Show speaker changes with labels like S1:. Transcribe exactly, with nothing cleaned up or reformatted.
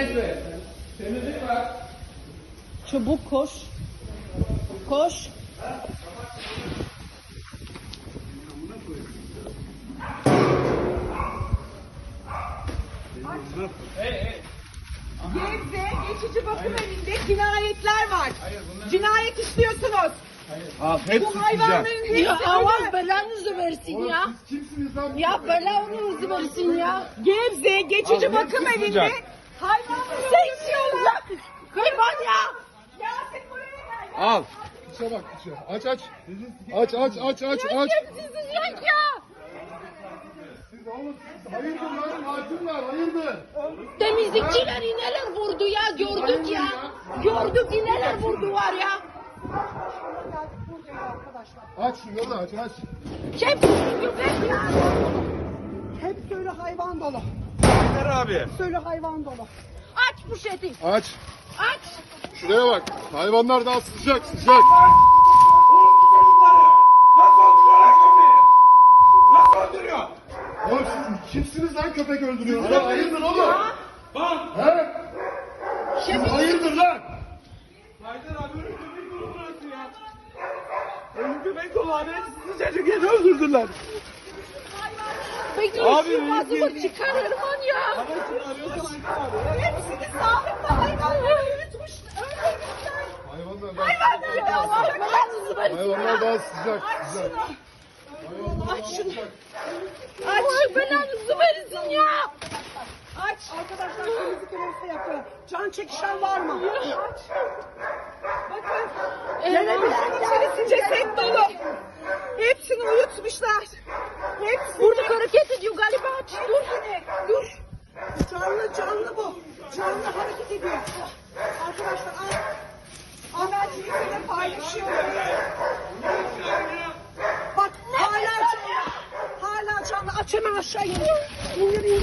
S1: Neyse. Temizlik var.
S2: Çabuk koş. Koş.
S3: Gebze geçici bakım evinde cinayetler var. Cinayet istiyorsunuz.
S1: Al hepsi
S3: Bu hayvanların hepsi
S2: Ya Allah
S3: öyle.
S2: belanızı versin ya.
S1: Siz kimsiniz lan?
S2: Ya belanızı versin ya.
S3: Gebze geçici
S1: Al,
S3: bakım
S1: hepsi
S3: evinde
S1: sıcak.
S3: hayvanların
S2: Sen istiyorsun lan. Hayvan ya.
S3: Yasin buraya gel.
S1: Al. İçe bak içe. Aç aç. Aç aç aç aç aç.
S2: Siz sıcak ya.
S1: Siz oğlum hayırdır lan katil hayırdır.
S2: Temizlikçiler ineler vurdu ya. Gördük ya. Gördük ineler vurdu var ya.
S1: Aç şu yolu aç aç.
S2: Hep köpek ya.
S3: Hep söyle hayvan dolu.
S1: Ver abi.
S3: Söyle hayvan dolu.
S2: Aç poşeti.
S1: Aç.
S2: Aç.
S1: Şuraya bak. Hayvanlar daha sıcak sıcak. Oğlum siz kimsiniz lan köpek öldürüyorsunuz? Lan hayırdır oğlum? He? Siz hayırdır lan?
S4: Haydar abi ölüm köpek dolu burası ya. Ölüm köpek dolu abi. Sıcacık yeri öldürdüler.
S2: Peki
S4: Abi,
S2: şu bazımı
S4: biz-
S2: çıkar Erman ya.
S4: Ama kim arıyorsan Haydar abi.
S3: Hepsini sahip de hayvanları yürütmüş. Öldürmüşler.
S1: Hayvanlar daha,
S3: Hayvanları
S2: Ya Allah belanızı versin.
S1: hayvanlar daha sıcak sıcak.
S3: Aç şunu.
S2: Allah belanızı versin ya.
S3: Aç. Arkadaşlar temizlik görevlisi yapıyor. Can çekişen var mı? Aç. Bakın. Gelebilirin içerisi ceset dolu. Hepsini uyutmuşlar. Hepsini.
S2: Burada hareket ediyor galiba. Aç. Dur.
S3: Hepsini. Dur. Canlı canlı bu. Canlı hareket ediyor. Arkadaşlar al. Al ben sizinle paylaşıyorum. Bak hala canlı. Hala canlı. Aç hemen aşağı in. İndir indir.